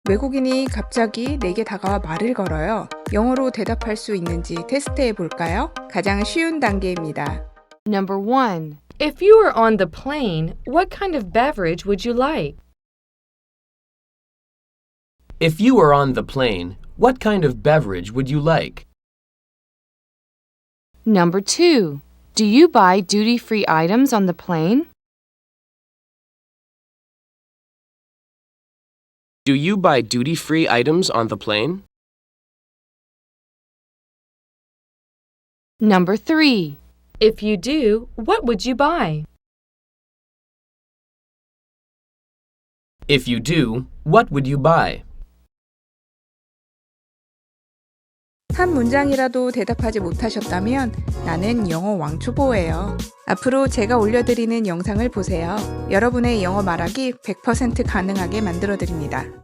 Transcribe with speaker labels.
Speaker 1: 외국인이 갑자기 내게 다가와 말을 걸어요. 영어로 대답할 수 있는지 테스트해 볼까요? 가장 쉬운 단계입니다.
Speaker 2: Number 1.
Speaker 3: If you were on the plane, what kind of beverage would you like?
Speaker 4: If you were on the plane, what kind of beverage would you like?
Speaker 2: Number 2. Do you buy duty-free items on the plane?
Speaker 4: Do you buy duty-free items on the plane?
Speaker 2: Number 3.
Speaker 3: If you do, what would you buy?
Speaker 4: If you do, what would you buy?
Speaker 1: 한 문장이라도 대답하지 못하셨다면 나는 영어 왕초보예요. 앞으로 제가 올려드리는 영상을 보세요. 여러분의 영어 말하기 100% 가능하게 만들어드립니다.